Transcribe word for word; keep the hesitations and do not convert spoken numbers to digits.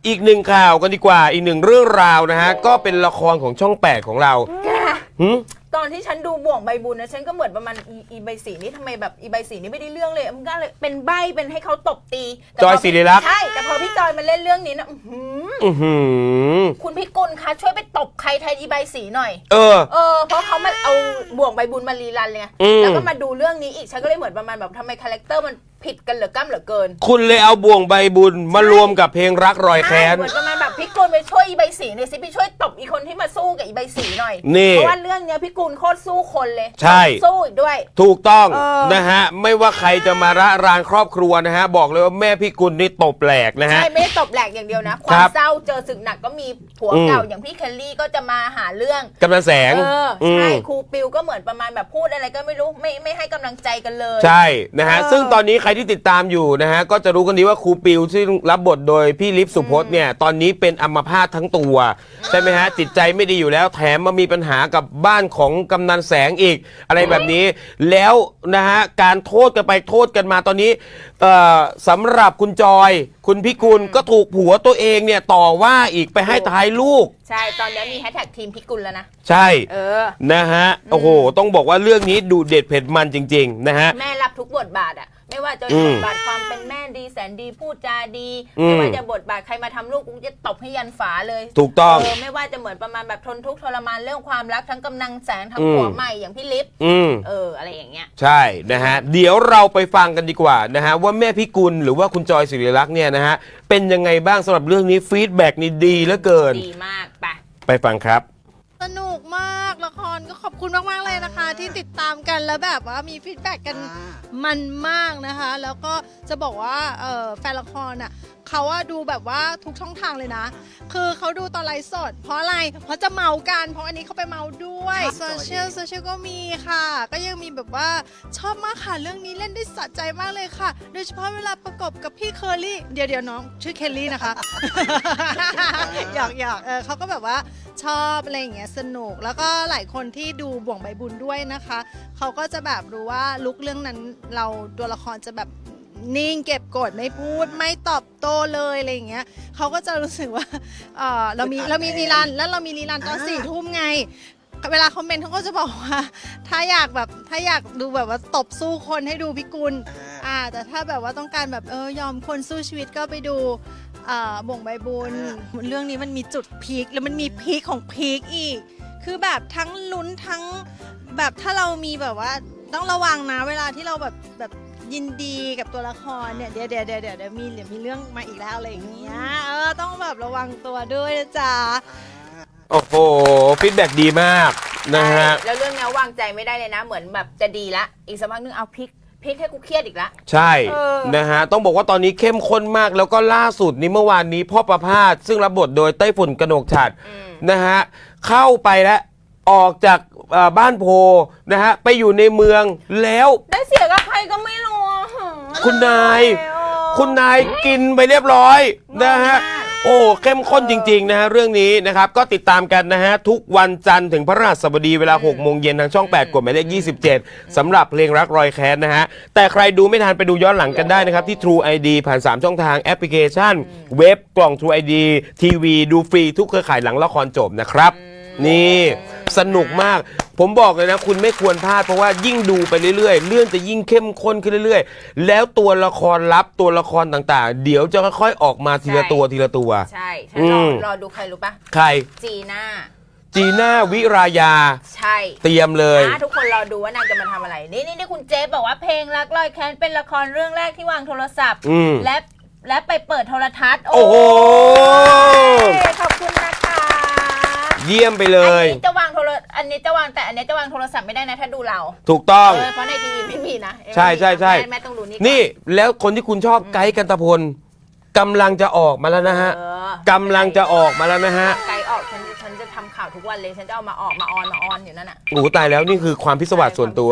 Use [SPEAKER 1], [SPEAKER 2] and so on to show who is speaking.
[SPEAKER 1] อีกหนึ่งข่าวกันดีกว่าอีกหนึ่งเรื่องราวนะฮะก็เป็นละครของช่องแปดของเรา
[SPEAKER 2] ตอนที่ฉันดูบ่วงใบบุญนะฉันก็เหมือนประมาณอีอีใบสีนี่ทำไมแบบอีใบสีนี่ไม่ได้เรื่องเลยมันก็เลยเป็นใบเป็นให้เขาตบตี
[SPEAKER 1] จอยศิริลักษณ์
[SPEAKER 2] ใช่แต่พอพี่จอยมาเล่นเรื่องนี้นะคุณพี่กุลคะช่วยไปตบใครแทนอีใบสีหน่อย
[SPEAKER 1] เออ
[SPEAKER 2] เออเพราะเขามาเอาบ่วงใบบุญมารีรันเลยแล้วก็มาดูเรื่องนี้อีกฉันก็เลยเหมือนประมาณแบบทำไมคาแรคเตอร์มันผิดกันเหลือก้ำเหลือเกิน
[SPEAKER 1] คุณเลยเอาบ่วงใบบุญมารวมกับเพลงรักรอยแค้น
[SPEAKER 2] เหมือนประมาณแบบพี่กุลไปช่วยอีใบสีหน่อยสิพี่ช่วยตบอีคนที่มาสู้กับอีใบสีหน่อยเพราะว่าเรื่องเนี้ยพี่กุลโคตรสู้คนเลย
[SPEAKER 1] ใช่
[SPEAKER 2] สู้อีกด้วย
[SPEAKER 1] ถูกต้องนะฮะไม่ว่าใครจะมาระรานครอบครัวนะฮะบอกเลยว่าแม่พี่กุลนี่ตบแหลกนะฮะ
[SPEAKER 2] ใช่ไม่ได้ตบแหลกอย่างเดียวนะความเศร้าเจอศึกหนักก็มีผัวเก่าอย่างพี่เคลลี่ก็จะมาหาเรื่อง
[SPEAKER 1] กำลังแสง
[SPEAKER 2] เออใช่ครูปิวก็เหมือนประมาณแบบพูดอะไรก็ไม่รู้ไม่ไม่ให้กำลังใจกันเลย
[SPEAKER 1] ใช่นะฮะซึ่งตอนนี้ใครที่ติดตามอยู่นะฮะก็จะรู้กันดีว่าครูปิวที่รับบทโดยพี่ลิฟสุพจน์เนี่ยตอนนี้เป็นอัมพาตทั้งตัวใช่ไหมฮะจิตใจไม่ดีอยู่แล้วแถมมามีปัญหากับบ้านของกำนันแสงอีกอะไรแบบนี้แล้วนะฮะการโทษกันไปโทษกันมาตอนนี้สำหรับคุณจอยคุณพิกุลก็ถูกผัวตัวเองเนี่ยต่อว่าอีกไปให้ท้ายลูก
[SPEAKER 2] ใช่ตอนนี้มีแฮชแท็กทีมพิกุลแล้วนะ
[SPEAKER 1] ใช่เออนะฮะโอ้โหต้องบอกว่าเรื่องนี้ดูเด็ดเผ็ดมันจริงๆนะฮะ
[SPEAKER 2] แม่รับทุกบทบาทอ่ะไม่ว่าจะบทบาทความเป็นแม่ดีแสนดีพูดจาดีไม่ว่าจะบทบาทใครมาทำลูกกูจะตบให้ยันฝาเลย
[SPEAKER 1] ถูกต้อง
[SPEAKER 2] เออไม่ว่าจะเหมือนประมาณแบบทนทุกข์ทรมานเรื่องความรักทั้งกำนังแสงทั้งผัวใหม่อย่างพี่ลิฟเอออะไรอย่างเงี้ย
[SPEAKER 1] ใช่นะฮะเดี๋ยวเราไปฟังกันดีกว่านะฮะว่าแม่พี่กุลหรือว่าคุณจอยศิริลักษณ์เนี่ยนะฮะเป็นยังไงบ้างสำหรับเรื่องนี้ฟีดแบ็กนี่ดีเหลือเกิน
[SPEAKER 2] ดีมากไป
[SPEAKER 1] ไปฟังครับ
[SPEAKER 3] สนุกมากละครก็ขอบคุณมากๆเลยนะคะที่ติดตามกันแล้วแบบว่ามีฟีดแบ็กกันมันมากนะคะแล้วก็จะบอกว่าแฟนละครอ่ะเขาว่าดูแบบว่าทุกช่องทางเลยนะคือเขาดูตอนไลฟ์สดเพราะอะไรเพราะจะเมากันเพราะอันนี้เขาไปเมาด้วยโซเชียลโซเชียลก็มีค่ะก็ยังมีแบบว่าชอบมากค่ะเรื่องนี้เล่นได้สะใจมากเลยค่ะโดยเฉพาะเวลาประกบกับพี่เคอรี่เดี๋ยวเดี๋ยวน้องชื่อเคลลี่นะคะ อยากอยากเออเขาก็แบบว่าชอบอะไรอย่างเงี้ยสนุกแล้วก็หลายคนที่ดูบ่วงใบบุญด้วยนะคะเขาก็จะแบบรู้ว่าลุกเรื่องนั้นเราตัวละครจะแบบนิ่งเก็บกดไม่พูดไม่ตอบโต้เลยอะไรอย่างเงี้ยเขาก็จะรู้สึกว่าเออเรามีเรามีรีรันแล้วเรามีรีรันตอนสี่ทุ่มไงเวลาคอมเมนต์เขาก็จะบอกว่าถ้าอยากแบบถ้าอยากดูแบบว่าตบสู้คนให้ดูพิกุลอ่าแต่ถ้าแบบว่าต้องการแบบเออยอมคนสู้ชีวิตก็ไปดูบ่วงใบบุญเรื่องนี้มันมีจุดพีคแล้วมันมีพีคของพีคอีกคือแบบทั้งลุ้นทั้งแบบถ้าเรามีแบบว่าต้องระวังนะเวลาที่เราแบบแบบยินดีกับตัวละครเนี่ยเดี๋ยวเดี๋ยวเดี๋ยวเดี๋ยวมีเดี๋ยวมีเรื่องมาอีกแล้วอะไรอย่างเงี้ยเออต้องแบบระวังตัวด้วยนะจ๊ะ
[SPEAKER 1] โอ้โหฟีดแบ็กดีมากนะฮะ
[SPEAKER 2] แล้วเรื่องนี้วางใจไม่ได้เลยนะเหมือนแบบจะดีละอีกสักพักนึงเอาพลิกพลิกให้กูเครียดอีกละ
[SPEAKER 1] ใช่นะฮะต้องบอกว่าตอนนี้เข้มข้นมากแล้วก็ล่าสุดนี้เมื่อวานนี้พ่อประภาสซึ่งรับบทโดยไต้ฝุ่นกนกฉัตรนะฮะเข้าไปแล้วออกจากบ้านโพนะฮะไปอยู่ในเมืองแล้ว
[SPEAKER 2] ได้เสียกับใครก็ไม่รู้
[SPEAKER 1] คุณนายคุณนายกินไปเรียบร้อยนะฮะโอ้เข้มข้นจริงๆนะฮะเรื่องนี้นะครับก็ติดตามกันนะฮะทุกวันจันทร์ถึงพระรหัสบดีเวลาหกโมงเย็นทางช่องแปดกดหมายเลขยี่สิบเจ็ดสำหรับเพลงรักรอยแค้นนะฮะแต่ใครดูไม่ทันไปดูย้อนหลังกันได้นะครับที่ True ไอ ดี ผ่านสามช่องทางแอปพลิเคชันเว็บกล่อง True ไอ ดี ทีวีดูฟรีทุกเครือข่ายหลังละครจบนะครับนี่สนุกมากผมบอกเลยนะคุณไม่ควรพลาดเพราะว่ายิ่งดูไปเรื่อยๆเรื่องจะยิ่งเข้มข้นขึ้นเรื่อยๆแล้วตัวละครลับตัวละครต่างๆเดี๋ยวจะค่อยๆออกมาทีละตัวทีละตัว
[SPEAKER 2] ใช่ฉันรอรอดูใครรู้ปะ
[SPEAKER 1] ใคร
[SPEAKER 2] จีน่า
[SPEAKER 1] จีน่าวิรายา
[SPEAKER 2] ใช่
[SPEAKER 1] เตรียมเลย
[SPEAKER 2] ทุกคนรอดูว่านางจะมาทำอะไรนี่นี่นี่คุณเจ๊บอกว่าเพลงรักรอยแค้นเป็นละครเรื่องแรกที่วางโทรศัพท์และและไปเปิดโทรทัศน์
[SPEAKER 1] โอ้โห
[SPEAKER 2] ขอบคุณนะคะ
[SPEAKER 1] เยี่ยมไปเลย
[SPEAKER 2] อันนี้จะวางโทรอันนี้จะวางแต่อันนี้จะวางโทรศัพท์ไม่ได้นะถ้าดูเรา
[SPEAKER 1] ถูกต้อง
[SPEAKER 2] เพราะในทีวีไม่มีนะ
[SPEAKER 1] ใช่ใช่ใช่
[SPEAKER 2] แม่ต้องดูนี่
[SPEAKER 1] นี่แล้วคนที่คุณชอบไกด์กันตะพลกำลังจะออกมาแล้วนะฮะกำลังจะออกมาแล้วนะฮะ
[SPEAKER 2] ไกด์ออกฉันฉันจะทำข่าวทุกวันเลยฉันจะเอามาออกมาออนมาออนอยู่นั่นน่ะ
[SPEAKER 1] โอ้ตายแล้วนี่คือความพิศวาสส่วนตัว